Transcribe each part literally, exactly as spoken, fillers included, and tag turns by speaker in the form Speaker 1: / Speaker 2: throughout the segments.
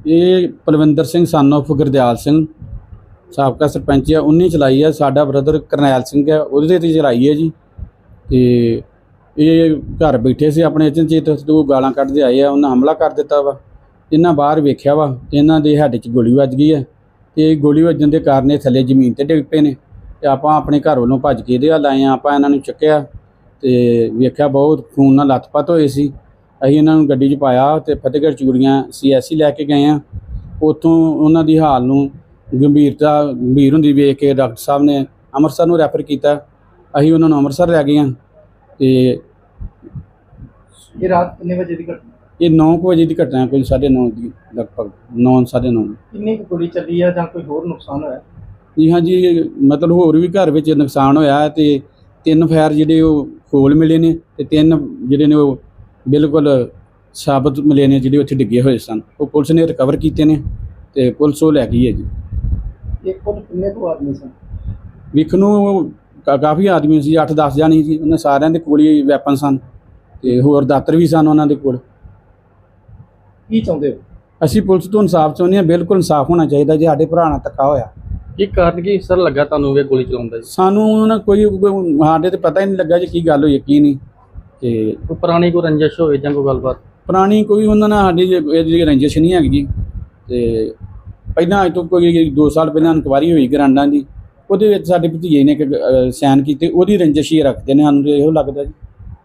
Speaker 1: ਇਹ Palwinder Singh son of Gurdial Singh ਸਾਬਕਾ ਸਰਪੰਚ ਆ, ਉਹਨੇ ਚਲਾਈ ਆ। ਸਾਡਾ ਬ੍ਰਦਰ ਕਰਨੈਲ ਸਿੰਘ ਆ, ਉਹਦੇ ਤੇ ਚਲਾਈ ਹੈ ਜੀ। ਤੇ ਇਹ ਘਰ ਬੈਠੇ ਸੀ ਆਪਣੇ ਅਚਨਚੇਤ ਦੋ ਗਾਲਾਂ ਕੱਢਦੇ ਆਏ ਆ, ਉਹਨਾਂ ਹਮਲਾ ਕਰ ਦਿੱਤਾ ਵਾ। ਇਹਨਾਂ ਬਾਹਰ ਵੇਖਿਆ ਵਾ ਤੇ ਇਹਨਾਂ ਦੇ ਹੈਡ 'ਚ ਗੋਲੀ ਵੱਜ ਗਈ ਹੈ ਤੇ ਗੋਲੀ ਵੱਜਣ ਦੇ ਕਾਰਨ ਇਹ ਥੱਲੇ ਜ਼ਮੀਨ ਤੇ ਡਿੱਗ ਪਏ ਨੇ। ਤੇ ਆਪਾਂ ਆਪਣੇ ਘਰ ਵੱਲੋਂ ਭੱਜ ਕੇ ਇਹਦੇ ਵੱਲ ਆਏ ਆ। ਆਪਾਂ ਇਹਨਾਂ ਨੂੰ ਚੱਕਿਆ ਤੇ ਵੇਖਿਆ ਬਹੁਤ ਖੂਨ ਨਾਲ ਲੱਥਪੱਥ ਹੋਏ ਸੀ। ਅਸੀਂ ਇਹਨਾਂ ਨੂੰ ਗੱਡੀ 'ਚ ਪਾਇਆ ਤੇ ਫਤਿਹਗੜ੍ਹ ਚੂੜੀਆਂ ਸੀ ਐਸ ਸੀ ਲੈ ਕੇ ਗਏ ਆ। ਉੱਥੋਂ ਉਹਨਾਂ ਦੀ ਹਾਲ ਨੂੰ ਗੰਭੀਰਤਾ ਗੰਭੀਰ ਹੁੰਦੀ ਵੇਖ ਕੇ ਡਾਕਟਰ ਸਾਹਿਬ ਨੇ ਅੰਮ੍ਰਿਤਸਰ ਨੂੰ ਰੈਫਰ ਕੀਤਾ। ਅਸੀਂ ਉਹਨਾਂ ਨੂੰ ਅੰਮ੍ਰਿਤਸਰ ਲੈ ਗਏ ਹਾਂ। ਤੇ
Speaker 2: ਇਹ ਰਾਤ ਕਿੰਨੇ ਵਜੇ ਦੀ ਘਟਨਾ?
Speaker 1: ਇਹ ਨੌ ਕੁ ਵਜੇ ਦੀ ਘਟਨਾ, ਕੋਈ ਸਾਢੇ ਨੌ ਦੀ ਲਗਭਗ, ਨੌ ਸਾਢੇ ਨੌ।
Speaker 2: ਕਿੰਨੀ ਕੁ ਗੋਲੀ ਚੱਲੀ ਆ ਜਾਂ ਕੋਈ ਹੋਰ ਨੁਕਸਾਨ ਹੋਇਆ?
Speaker 1: ਜੀ ਹਾਂਜੀ, ਮਤਲਬ ਹੋਰ ਵੀ ਘਰ ਵਿੱਚ ਨੁਕਸਾਨ ਹੋਇਆ ਤੇ ਤਿੰਨ ਫਾਇਰ ਜਿਹੜੇ ਉਹ ਖੋਲ ਮਿਲੇ ਨੇ ਤੇ ਤਿੰਨ ਜਿਹੜੇ ਨੇ ਉਹ ਬਿਲਕੁਲ ਸਾਬਤ ਮਿਲੇ ਨੇ ਜਿਹੜੇ ਉੱਥੇ ਡਿੱਗੇ ਹੋਏ ਸਨ। ਉਹ ਪੁਲਿਸ ਨੇ ਰਿਕਵਰ ਕੀਤੇ ਨੇ ਤੇ ਪੁਲਿਸ ਉਹ ਲੈ ਗਈ ਹੈ ਜੀ।
Speaker 2: ਇਹ ਕੁੱਲ ਕਿੰਨੇ ਕੁ ਆਦਮੀ ਸਨ?
Speaker 1: ਵੇਖਣ ਨੂੰ ਕਾ- ਕਾਫੀ ਆਦਮੀ ਸੀ, ਅੱਠ ਦਸ ਜਾਣੇ ਸੀ। ਉਹਨਾਂ ਸਾਰਿਆਂ ਦੇ ਕੋਲ ਹੀ ਵੈਪਨ ਸਨ ਤੇ ਹੋਰ ਦਾਤਰ ਵੀ ਸਨ ਉਹਨਾਂ ਦੇ ਕੋਲ।
Speaker 2: ਕੀ ਚਾਹੁੰਦੇ ਹੋ?
Speaker 1: ਅਸੀਂ ਪੁਲਿਸ ਤੋਂ ਇਨਸਾਫ ਚਾਹੁੰਦੇ ਹਾਂ। ਬਿਲਕੁਲ ਇਨਸਾਫ ਹੋਣਾ ਚਾਹੀਦਾ ਜੀ। ਸਾਡੇ ਭਰਾ ਨਾਲ ਧੱਕਾ ਹੋਇਆ।
Speaker 2: ਕੀ ਕਾਰਨ ਕੀ ਸਰ ਲੱਗਾ ਤੁਹਾਨੂੰ ਇਹ ਗੋਲੀ ਚਲਾਉਂਦਾ ਜੀ?
Speaker 1: ਸਾਨੂੰ ਉਹਨਾਂ ਕੋਈ ਕੋਈ- ਸਾਡੇ ਤੇ ਪਤਾ ਹੀ ਨਹੀਂ ਲੱਗਾ ਜੀ ਕੀ ਗੱਲ ਹੋਈ ਕੀ ਨਹੀਂ। ਤੇ
Speaker 2: ਕੋਈ ਪੁਰਾਣੀ ਕੋਈ ਰੰਜਿਸ਼ ਹੋਵੇ ਜਾਂ ਕੋਈ ਗੱਲਬਾਤ?
Speaker 1: ਪੁਰਾਣੀ ਕੋਈ ਉਹਨਾਂ ਨਾਲ ਸਾਡੀ ਇਹਦੀ ਰੰਜਿਸ਼ ਨਹੀਂ ਹੈਗੀ ਜੀ। ਤੇ ਪਹਿਲਾਂ ਅੱਜ ਤੋਂ ਕੋਈ ਦੋ ਸਾਲ ਪਹਿਲਾਂ ਇਨਕੁਆਇਰੀ ਹੋਈ ਗਰਾਂਡਾਂ ਦੀ, ਉਹਦੇ ਵਿੱਚ ਸਾਡੇ ਭਤੀਜੇ ਨੇ ਇੱਕ ਸਾਈਨ ਕੀਤੇ, ਉਹਦੀ ਰੰਜਿਸ਼ ਹੀ ਰੱਖਦੇ ਨੇ। ਸਾਨੂੰ ਇਹੋ ਲੱਗਦਾ ਜੀ।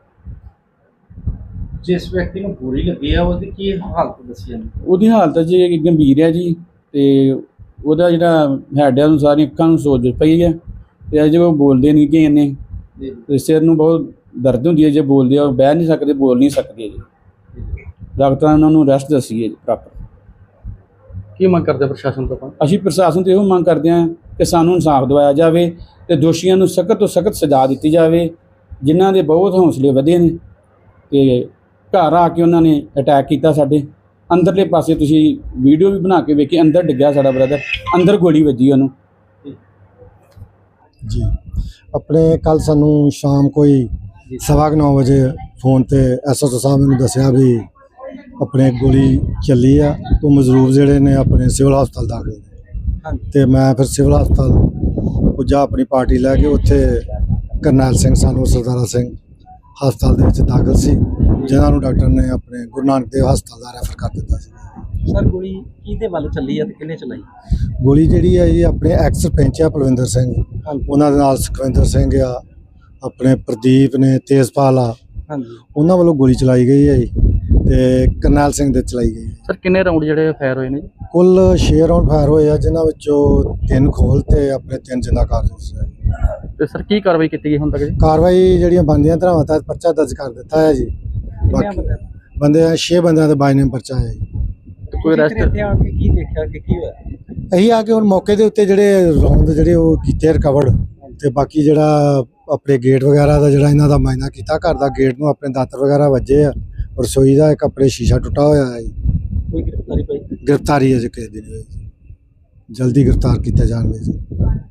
Speaker 2: ਜਿਸ ਵਿਅਕਤੀ ਨੂੰ ਗੋਲੀ ਲੱਗੀ ਆ ਉਹਦੀ ਕੀ ਹਾਲਤ ਦੱਸੀ ਜਾਂਦੀ?
Speaker 1: ਉਹਦੀ ਹਾਲਤ ਜੀ ਗੰਭੀਰ ਹੈ ਜੀ। ਤੇ ਉਹਦਾ ਜਿਹੜਾ ਹੈਡ ਹੈ ਉਹਨੂੰ ਸਾਰੀਆਂ ਅੱਖਾਂ ਨੂੰ ਸੋਜ ਪਈ ਹੈ ਤੇ ਅਜੇ ਉਹ ਬੋਲਦੇ ਨਹੀਂ ਕਿ ਇਹਨੇ ਤੇ ਸਿਰ ਨੂੰ ਬਹੁਤ ਦਰਦ ਹੁੰਦੀ ਹੈ। ਜੇ ਬੋਲਦੇ ਆ ਉਹ ਬਹਿ ਨਹੀਂ ਸਕਦੇ, ਬੋਲ ਨਹੀਂ ਸਕਦੇ ਜੀ। ਡਾਕਟਰਾਂ ਨੇ ਉਹਨਾਂ ਨੂੰ ਰੈਸਟ ਦੱਸੀ ਹੈ ਜੀ ਪ੍ਰੋਪਰ।
Speaker 2: ਕੀ ਮੰਗ ਕਰਦੇ ਪ੍ਰਸ਼ਾਸਨ ਤੋਂ ਆਪਾਂ?
Speaker 1: ਅਸੀਂ ਪ੍ਰਸ਼ਾਸਨ ਤੋਂ ਇਹੋ ਮੰਗ ਕਰਦੇ ਹਾਂ ਕਿ ਸਾਨੂੰ ਇਨਸਾਫ ਦਿਵਾਇਆ ਜਾਵੇ ਤੇ ਦੋਸ਼ੀਆਂ ਨੂੰ ਸਖਤ ਤੋਂ ਸਖਤ ਸਜ਼ਾ ਦਿੱਤੀ ਜਾਵੇ, ਜਿਨ੍ਹਾਂ ਦੇ ਬਹੁਤ ਹੌਸਲੇ ਵਧੇ ਨੇ। ਤੇ ਘਰ ਆ ਕੇ ਉਹਨਾਂ ਨੇ ਅਟੈਕ ਕੀਤਾ ਸਾਡੇ ਅੰਦਰਲੇ ਪਾਸੇ। ਤੁਸੀਂ ਵੀਡੀਓ ਵੀ ਬਣਾ ਕੇ ਵੇਖੀ, ਅੰਦਰ ਡਿੱਗਿਆ ਸਾਡਾ ਬ੍ਰਦਰ, ਅੰਦਰ ਗੋਲੀ ਵੱਜੀ ਉਹਨੂੰ
Speaker 3: ਜੀ। ਆਪਣੇ ਕੱਲ ਸਾਨੂੰ ਸ਼ਾਮ ਕੋਈ ਸਵਾ ਕੁ ਨੌ ਵਜੇ ਫੋਨ ਤੇ ਐਸ ਐਚ ਓ ਸਾਹਿਬ ਮੈਨੂੰ ਦੱਸਿਆ ਵੀ ਆਪਣੇ ਗੋਲੀ ਚੱਲੀ ਆ ਤੋਂ ਮਜ਼ਰੂਰ ਜਿਹੜੇ ਨੇ ਆਪਣੇ ਸਿਵਲ ਹਸਪਤਾਲ ਦਾਖਲ ਨੇ। ਤੇ ਮੈਂ ਫਿਰ ਸਿਵਲ ਹਸਪਤਾਲ ਪੁੱਜਾ ਆਪਣੀ ਪਾਰਟੀ ਲੈ ਕੇ। ਉੱਥੇ ਕਰਨੈਲ ਸਿੰਘ ਸਾਨੂੰ ਸਰਦਾਰਾ ਸਿੰਘ ਹਸਪਤਾਲ ਦੇ ਵਿੱਚ ਦਾਖਲ ਸੀ, ਜਿਨ੍ਹਾਂ ਨੂੰ ਡਾਕਟਰ ਨੇ ਆਪਣੇ ਗੁਰੂ ਨਾਨਕ ਦੇਵ ਹਸਪਤਾਲ ਦਾ ਰੈਫਰ ਕਰ ਦਿੱਤਾ ਸੀ।
Speaker 2: ਸਰ ਗੋਲੀ ਕਿਹਦੇ ਵੱਲ ਚੱਲੀ ਆ ਤੇ ਕਿਹਨੇ ਚਲਾਈ?
Speaker 3: ਗੋਲੀ ਜਿਹੜੀ ਹੈ ਜੀ ਆਪਣੇ ਐਕਸ ਸਰਪੰਚ ਆ ਪਲਵਿੰਦਰ ਸਿੰਘ, ਉਹਨਾਂ ਦੇ ਨਾਲ ਸੁਖਵਿੰਦਰ ਸਿੰਘ ਆ, ਆਪਣੇ ਪ੍ਰਦੀਪ ਨੇ, ਤੇਜਪਾਲ ਆ,
Speaker 2: ਹਾਂਜੀ,
Speaker 3: ਉਹਨਾਂ ਵੱਲੋਂ ਗੋਲੀ ਚਲਾਈ ਗਈ ਹੈ ਜੀ। ਤੇ ਕਰਨੈਲ ਸਿੰਘ ਦੇ ਚਲਾਈ ਗਈ।
Speaker 2: ਸਰ ਕਿੰਨੇ ਰਾਉਂਡ ਜਿਹੜੇ ਫਾਇਰ ਹੋਏ ਨੇ?
Speaker 3: ਕੁੱਲ ਛੇ ਰਾਉਂਡ ਫਾਇਰ ਹੋਏ ਆ, ਜਿਨ੍ਹਾਂ ਵਿੱਚੋਂ ਤਿੰਨ ਖੋਲ ਤੇ ਆਪਣੇ ਤਿੰਨ ਜਿੰਦਾ ਕਾਰਤੂਸ ਹੈ।
Speaker 2: ਤੇ ਸਰ ਕੀ ਕਾਰਵਾਈ ਕੀਤੀ ਗਈ ਹੁਣ ਤੱਕ ਜੀ?
Speaker 3: ਕਾਰਵਾਈ ਜਿਹੜੀਆਂ ਬਣਦੀਆਂ ਧਾਰਾਵਾਂ ਤਹਿਤ ਪਰਚਾ ਦਰਜ ਕਰ ਦਿੱਤਾ ਹੈ ਜੀ। ਬਾਕੀ ਬੰਦੇ ਆ ਛੇ ਬੰਦਿਆਂ ਦੇ ਬਾਈ ਨੇਮ ਪਰਚਾ ਹੈ ਜੀ।
Speaker 2: ਕੋਈ ਰੈਸਟ ਆ ਕੇ ਕੀ ਦੇਖਿਆ ਕਿ ਕੀ ਹੋਇਆ?
Speaker 3: ਅਸੀਂ ਆ ਕੇ ਹੁਣ ਮੌਕੇ ਦੇ ਉੱਤੇ ਜਿਹੜੇ ਰੌਂਦ ਜਿਹੜੇ ਉਹ ਕੀਤੇ ਰਿਕਵਰਡ, ਤੇ ਬਾਕੀ ਜਿਹੜਾ ਆਪਣੇ ਗੇਟ ਵਗੈਰਾ ਦਾ ਜਿਹੜਾ ਇਹਨਾਂ ਦਾ ਮਾਇਨਾ ਕੀਤਾ, ਘਰ ਦਾ ਗੇਟ ਨੂੰ ਆਪਣੇ ਦਾਤਰ ਵਗੈਰਾ ਵੱਜੇ ਆ। ਰਸੋਈ ਦਾ ਇੱਕ ਆਪਣੇ ਸ਼ੀਸ਼ਾ ਟੁੱਟਾ ਹੋਇਆ ਹੈ ਜੀ।
Speaker 2: ਕੋਈ ਗ੍ਰਿਫਤਾਰੀ ਪਈ?
Speaker 3: ਗ੍ਰਿਫਤਾਰੀ ਅਜੇ ਕਿਸੇ ਦੀ ਨਹੀਂ ਹੋਈ ਜੀ। ਜਲਦੀ ਗ੍ਰਿਫਤਾਰ ਕੀਤਾ ਜਾਣਗੇ ਜੀ।